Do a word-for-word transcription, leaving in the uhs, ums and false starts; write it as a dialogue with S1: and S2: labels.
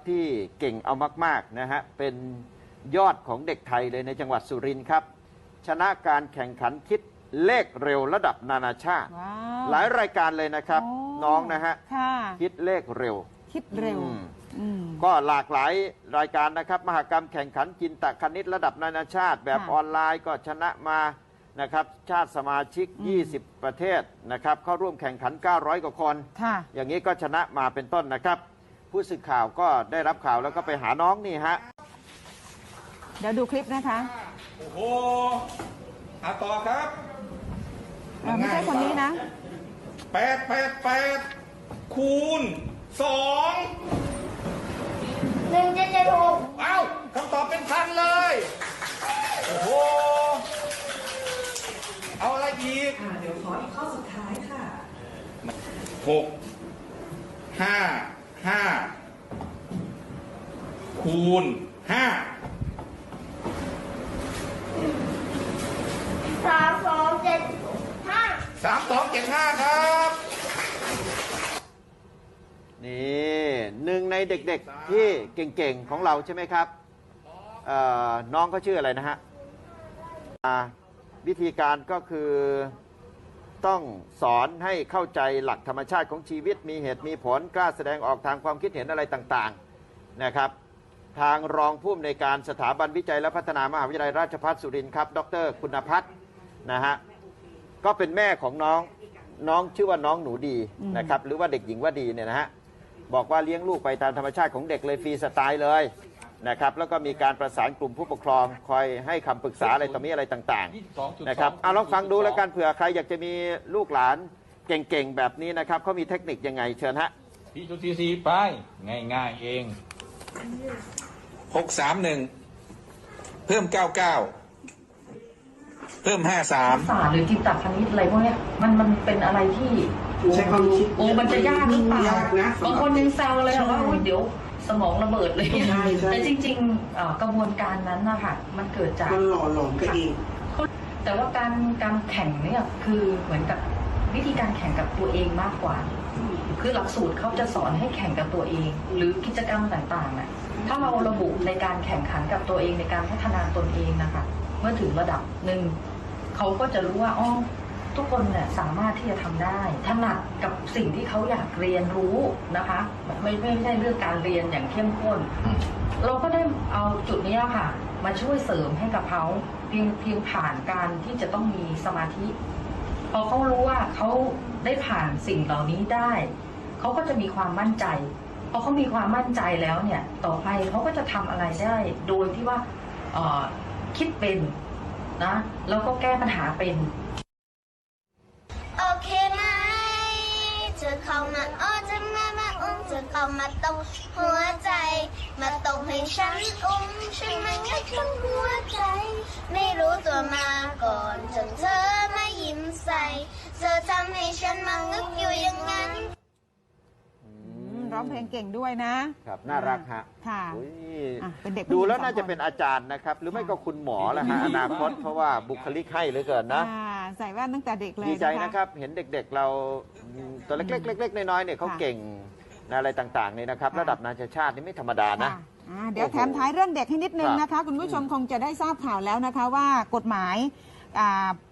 S1: ที่เก่งเอามากๆนะฮะเป็นยอดของเด็กไทยเลยในจังหวัดสุรินทร์ครับชนะการแข่งขันคิดเลขเร็วระดับนานาชาติหลายรายการเลยนะครับน้องนะฮะคิดเลขเร็ว
S2: คิดเร็ว
S1: ก็หลากหลายรายการนะครับมหกรรมแข่งขันจินตคณิตระดับนานาชาติแบบออนไลน์ก็ชนะมานะครับชาติสมาชิกยี่สิบประเทศนะครับเข้าร่วมแข่งขันเก้าร้อยกว่าคนอย่างนี้ก็ชนะมาเป็นต้นนะครับผู้สื่อข่าวก็ได้รับข่าวแล้วก็ไปหาน้องนี่ฮะ
S2: เดี๋ยวดูคลิปนะคะ
S3: โอ้โหอาต่อครับ
S2: ไม่ใช่คนนี้นะ
S3: แปดแปดแปดคูณสอง
S4: หนึ่งเจ็ดเจ็ดหก
S3: เอ้าคำตอบเป็นพันเลยโอ้โหเอาอะไรอีก
S5: เดี๋ยวขออีกข้อสุดท้ายค่ะ
S3: หกห้าห้าคูณห้า
S4: สามสองเจ็ดห้า
S3: สามสองเจ็ดห้าครับ
S1: นี่หนึ่งในเด็กๆที่เก่งๆของเราใช่ไหมครับน้องเขาชื่ออะไรนะฮะวิธีการก็คือต้องสอนให้เข้าใจหลักธรรมชาติของชีวิตมีเหตุมีผลกล้าแสดงออกทางความคิดเห็นอะไรต่างๆนะครับทางรองผู้อำนวยการสถาบันวิจัยและพัฒนามหาวิทยาลัยราชภัฏสุรินทร์ครับดรคุณพัฒน์นะฮะก็เป็นแม่ของน้องน้องชื่อว่าน้องหนูดีนะครับหรือว่าเด็กหญิงว่าดีเนี่ยนะฮะบอกว่าเลี้ยงลูกไปตามธรรมชาติของเด็กเลยฟรีสไตล์เลยนะครับแล้วก็มีการประสานกลุ่มผู้ปกครองคอยให้คำปรึกษาอะไรต่อมีอะไรต่างๆนะครับเอาลองฟังดูแล้วกันเผื่อใครอยากจะมีลูกหลานเก่งๆแบบนี้นะครับเขามีเทคนิคยังไงเชิญฮะ
S3: พี่จุดซีซีไปง่ายๆเองหกสามหนึ่งเพิ่มเก้าเก้าเพิ่มห้าสาม
S5: ศาสตร์หรือจิตตคณิตอะไรพวกนี้มันมันเป็นอะไรที่
S6: ใช้ความคิด
S5: โอ้มันจะยากหรือเปล่าบางคนยังแซวเลยว่าเดี๋ยวสมองระเบิดเลยแต่จริงๆกระบวนการนั้นนะคะมันเกิดจาก
S6: มันหล่อหลอมกันเอง
S5: แต่ว่าการการแข่งเนี่ยคือเหมือนกับวิธีการแข่งกับตัวเองมากกว่าคือหลักสูตรเขาจะสอนให้แข่งกับตัวเองหรือกิจกรรมต่างๆน่ะถ้าเราระบุในการแข่งขันกับตัวเองในการพัฒนาตนเองนะคะเมื่อถึงระดับหนึ่งเขาก็จะรู้ว่าอ๋อทุกคนเนี่ยสามารถที่จะทำได้ถนัดกับสิ่งที่เขาอยากเรียนรู้นะคะไม่ไม่ใช่เรื่องการเรียนอย่างเข้มข้นเราก็ได้เอาจุดนี้ค่ะมาช่วยเสริมให้กับเขาเพียงเพียงผ่านการที่จะต้องมีสมาธิพอเขารู้ว่าเขาได้ผ่านสิ่งเหล่านี้ได้เขาก็จะมีความมั่นใจพอเขามีความมั่นใจแล้วเนี่ยต่อไปเขาก็จะทำอะไรได้โดยที่ว่าคิดเป็นนะแล้วก็แก้ปัญหาเป็น
S4: โอเคไหมเธอเข้ามาอ้อจะมามาอุ้มเธอเข้ามาตรงหัวใจมาตรงให้ฉันอุ้มฉันมันงัดทั้งหัวใจไม่รู้ตัวมาก่อนจนเธอมายิ้มใส่เธอทำให้ฉันมางึกอยู่อย่างนั้น
S2: ร้องเพลงเก่งด้วยนะครับ
S1: น่ารักฮะ
S2: ค่ะ
S1: เป็นเด็กดูแล้วน่าจะเป็นอาจารย์นะครับหรือไม่ก็คุณหมอแหละฮะอนาคตเพราะว่าบุคลิกให้เหลือเกินนะ
S2: ใส่แว่นตั้งแต่เด็กเลย
S1: ดีใจนะครับเห็นเด็กๆเราตัวเล็กๆเล็กๆน้อยๆเนี่ยเขาเก่งอะไรต่างๆนี่นะครับระดับนานาชาตินี่ไม่ธรรมดานะ
S2: เดี๋ยวแถมท้ายเรื่องเด็กให้นิดนึงนะคะคุณผู้ชมคงจะได้ทราบข่าวแล้วนะคะว่ากฎหมาย